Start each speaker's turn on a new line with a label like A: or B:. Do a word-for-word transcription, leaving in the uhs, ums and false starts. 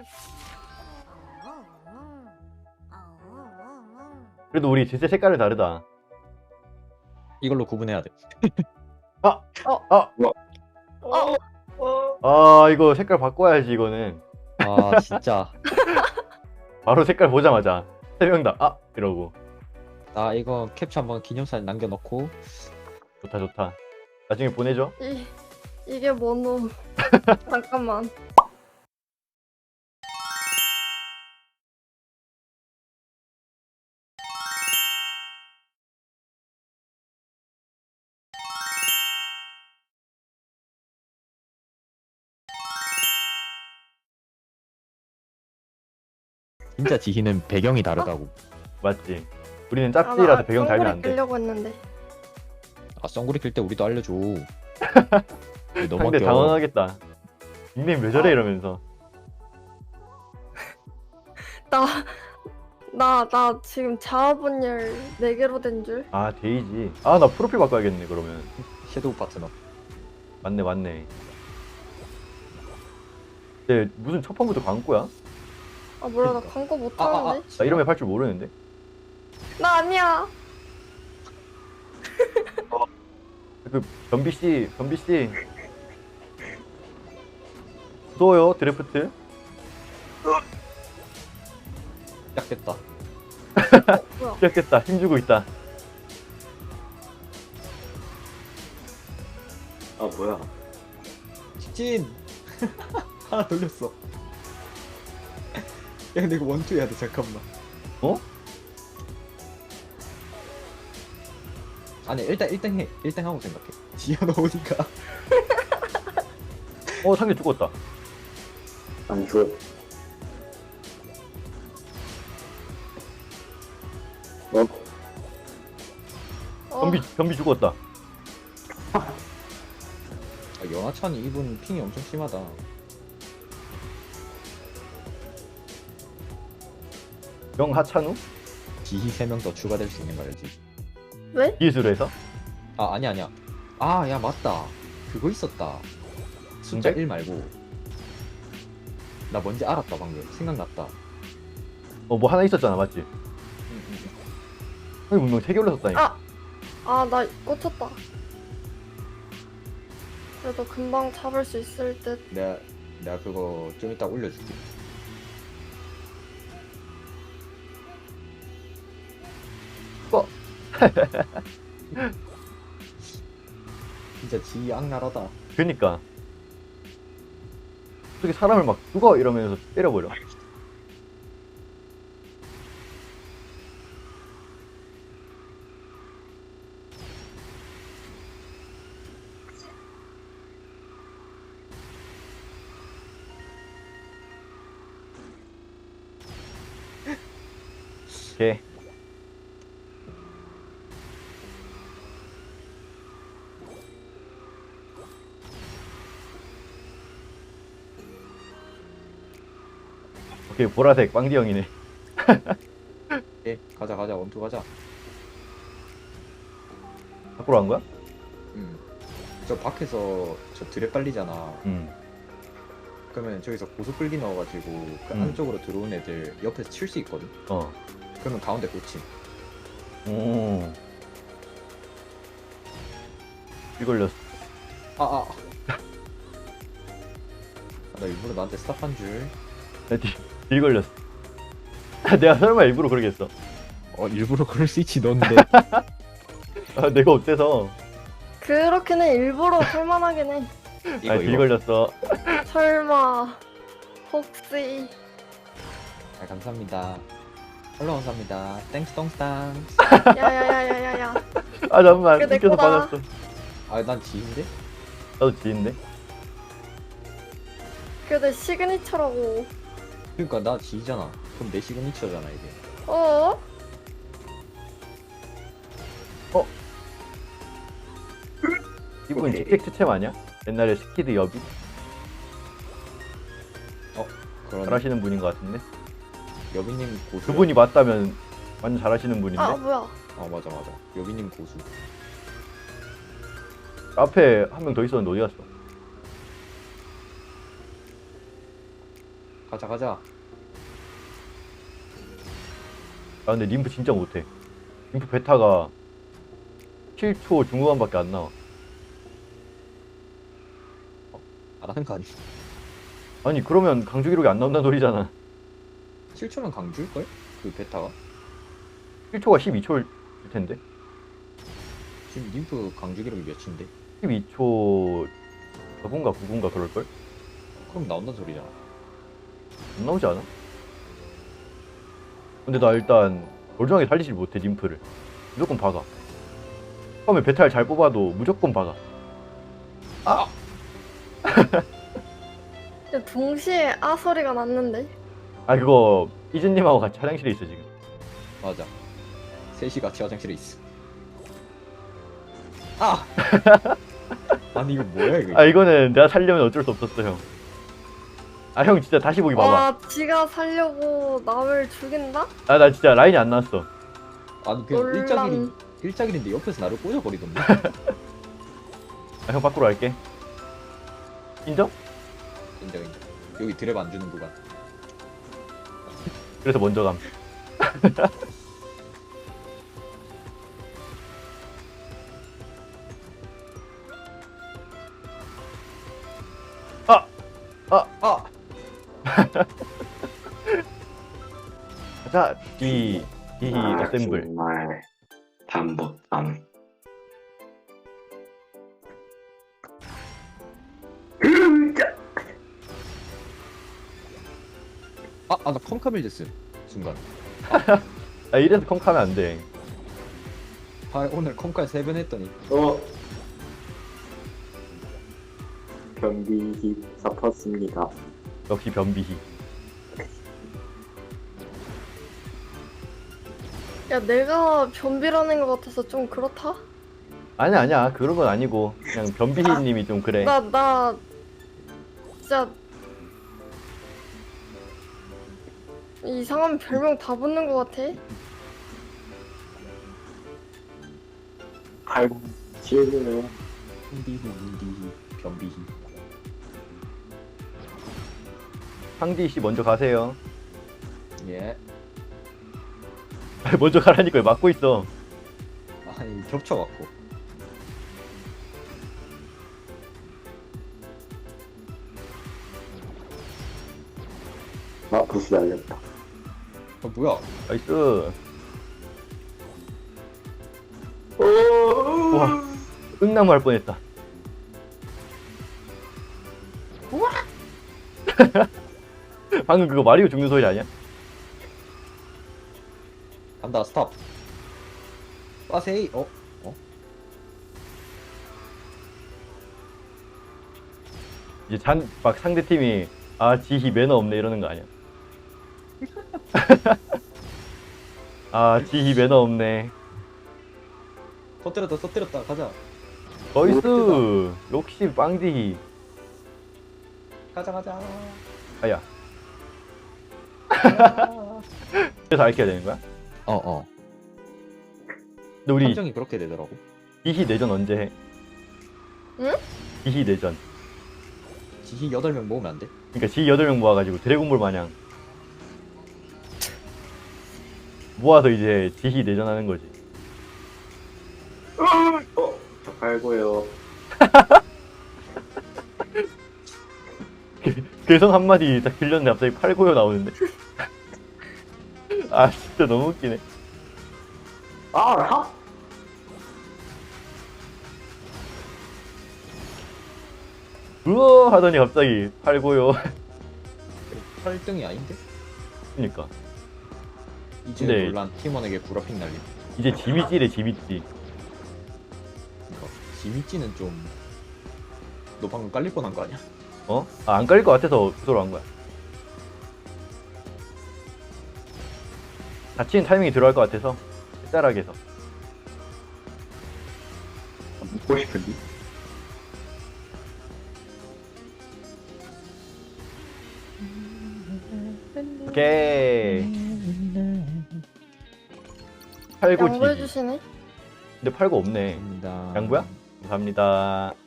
A: 그래도 우리 진짜 색깔이 다르다.
B: 이걸로 구분해야 돼.
A: 아!
C: 어.
A: 아!
C: 어.
A: 아 이거 색깔 바꿔야지 이거는.
B: 아 진짜.
A: 바로 색깔 보자마자 세 명 다 아! 이러고.
B: 나 이거 캡처 한번 기념사진 남겨놓고.
A: 좋다 좋다. 나중에 보내줘.
C: 이 이게 뭐노? 잠깐만.
B: 진짜 지희는 배경이 다르다고.
A: 맞지? 우리는
C: 아,
A: 짭지라서
C: 나
A: 배경 달면 안
C: songbird
A: 돼.
C: 끼려고 했는데.
B: 아 썬구리 낄 때 우리도 알려줘. 왜 너무
A: 상대
B: 아껴.
A: 당황하겠다. 닉네임 왜 저래
C: 아.
A: 이러면서.
C: 나 나 나 지금 자아분열 네 개로 된 줄.
A: 아 데이지. 아 나 프로필 바꿔야겠네 그러면.
B: 섀도우 파트너.
A: 맞네 맞네. 근데 무슨 첫 판부터 광고야?
C: 아 몰라 나
B: 그러니까.
C: 광고 못
B: 아, 아, 아.
C: 하는데.
A: 나 이러면 할 줄 모르는데.
C: 나 아니야.
A: 그 변비 씨, 변비 씨. 무서워요 드래프트.
B: 시작됐다.
C: 뭐야?
A: 시작했다. 힘주고 있다.
D: 아 뭐야?
B: 직진. 하나 돌렸어. 야 근데 이거 원투 해야 돼. 잠깐만.
A: 어?
B: 아니 일단 일단 해. 일단 하고 생각해. 지어 놓으니까.
A: 어 상대 죽었다.
D: 안 죽어. 어?
C: 어,
A: 변비 변비 죽었다.
B: 아, 연하찬이 이분 핑이 엄청 심하다.
A: 영하찬우
B: 지희 세 명 더 추가될 수 있는 거 알지?
C: 왜?
A: 기술로 해서.
B: 아 아니 아니야. 아 야 맞다. 그거 있었다. 숫자
A: 근데?
B: 일 말고. 나 뭔지 알았다 방금. 생각났다.
A: 어 뭐 하나 있었잖아 맞지?
B: 응, 응, 응.
A: 형이 분명 세 개 올렸었다니까.
C: 아. 아 나 꽂혔다. 그래도 금방 잡을 수 있을 듯.
B: 내가 내가 그거 좀 이따 올려줄게.
A: 어.
B: 진짜 지희 악랄하다.
A: 그니까. 어떻게 사람을 막 죽어 이러면서 때려버려. 오케이. 오케이 보라색 빵디 형이네.
B: 예 가자 가자 원투 가자.
A: 밖으로 간 거야?
B: 음. 저 밖에서 저 드랩 빨리잖아.
A: 응.
B: 그러면 저기서 고속 끌기 넣어가지고 그
A: 음.
B: 안쪽으로 들어온 애들 옆에서 칠 수 있거든.
A: 어.
B: 그러면 가운데 꽂힘.
A: 오. 이 걸렸어.
B: 아 아. 아, 나 일부러 나한테 스탑한 줄.
A: 나 뒤, 뒤 걸렸어. 내가 설마 일부러 그러겠어.
B: 어 일부러 그럴 수 있지 넌데.
A: 아, 내가 어때서?
C: 그렇긴 해. 일부러 할만하긴 해.
B: 이거
A: 아, 뒤
B: 이거.
A: 걸렸어.
C: 설마 혹시
B: 아 감사합니다. 팔로우 감사합니다. 땡스 똥스 땡스.
C: 야야야야야야.
A: 아, 잠깐만.
C: 그게 내
A: 웃겨서
C: 거다.
A: 빠졌어.
B: 아난 지인데?
A: 나도 지인데?
C: 그게 내 시그니처라고.
B: 그러니까 나 지이잖아. 그럼 내 시그니처잖아 이게.
C: 어?
A: 이분
D: 오케이.
A: 직책 추첨 아니야? 옛날에 스키드 여비?
B: 그런
A: 잘하시는 분인 것 같은데?
B: 여비님 고수.
A: 그분이 맞다면 완전 잘하시는 분인데?
C: 아 뭐야?
B: 아 맞아 맞아. 여비님 고수.
A: 앞에 한 명 더 있었는데 어디 갔어?
B: 가자 가자.
A: 아 근데 림프 진짜 못해. 림프 베타가 칠 초 중후반밖에 안 나와.
B: 알아는 거 아니.
A: 아니 그러면 강주 기록이 안 나온다는 소리잖아.
B: 칠 초면 강주일걸? 그 베타가?
A: 칠 초가 십이 초일 텐데.
B: 지금 림프 강주 기록이 몇인데?
A: 십이 초 사분가 구분가 그럴걸?
B: 그럼 나온다는 소리잖아.
A: 안 나오지 않아? 근데 나 일단 멀쩡하게 살리질 못해 림프를. 무조건 박아. 처음에 베타를 잘 뽑아도 무조건 박아.
C: 근데 동시에 아 소리가 났는데.
A: 아 그거 이즈님하고 같이 화장실에 있어 지금.
B: 맞아. 셋이 같이 화장실에 있어. 아! 아니 이거 뭐야 이거?
A: 아 이거는 내가 살려면 어쩔 수 없었어 형. 아 형 진짜 다시 보기 봐봐.
C: 와 지가 살려고 나를 죽인다?
A: 아 나 진짜 라인이 안 나왔어.
B: 아니 그냥
C: 놀람.
B: 일자길인 일자길인데 옆에서 나를 꽂아버리던데.
A: 아, 형 밖으로 갈게. 인정?
B: 인정 인정. 여기 드랩 안 주는 구간.
A: 그래서 먼저 감. 아! 아!
B: 아!
A: 자, 이, 이
D: 아,
A: 어셈블.
D: 정말 단복단.
B: 아! 아 나 컴카밀 됐음. 순간.
A: 아, 이래서 컴카면 안 돼.
B: 아 오늘 컴카 세 번 했더니
D: 어. 변비히 잡혔습니다.
A: 역시 변비희.
C: 야 내가 변비라는 것 같아서 좀 그렇다?
A: 아니야, 아니야. 그런 건 아니고. 그냥 변비희님이 좀 그래.
C: 나 나 진짜 이상한 별명 다 붙는 것 같아.
D: 아이고, 지혜네요.
B: 훈디히 훈디히 변비히.
A: 상디씨 먼저 가세요.
B: 예.
A: 먼저 가라니까 왜 막고 있어.
B: 아니 겹쳐갖고.
D: 아, 부스 날렸다.
B: 아 뭐야?
A: 나이스.
D: 오.
A: 와, 응나무 할 뻔했다. 방금 그거 마리오 죽는 소리 아니야?
B: 간다 스탑. 빠세이. 어? 어?
A: 이제 잔, 막 상대 팀이 아 지희 매너 없네 이러는 거 아니야? 아 지희 매너 없네.
B: 터뜨렸다 터뜨렸다 가자.
A: 나이스. 역시 빵디희.
B: 가자 가자.
A: 아야.
B: 어
A: 그래서 알게 되는 거야?
B: 어.
A: 근데 우리
B: 함정이 그렇게 되더라고.
A: 지희 내전 언제 해?
C: 응?
A: 지희 내전.
B: 지희 여덟 명 모으면 안 돼?
A: 그러니까 지희 여덟 명 모아가지고 드래곤볼 마냥 모아서 이제 지희 내전하는 거지.
D: 어, 저 팔고요.
A: 괴성 한마디 딱 들렸는데 갑자기 팔고요 나오는데. 아 진짜 너무 웃기네.
D: 아, 하?
A: 우와 하더니 갑자기 팔고요.
B: 팔 등이 아닌데?
A: 그니까
B: 이제
A: 근데-
B: 논란 팀원에게 구라핑 날림.
A: 이제 지미찌래 지미찌.
B: 그러니까 지미찌는 좀. 너 방금 깔릴 뻔한 거 아니야?
A: 어? 아, 안 깔릴 것 같아서 그 소리 한 거야. 다치는 타이밍이 들어갈 것 같아서 짤하게 해서.
D: 먹고 싶은데?
A: 오케이. 팔고 지희.
C: 양보해주시네.
A: 근데 팔고 없네.
B: 감사합니다.
A: 양보야? 감사합니다.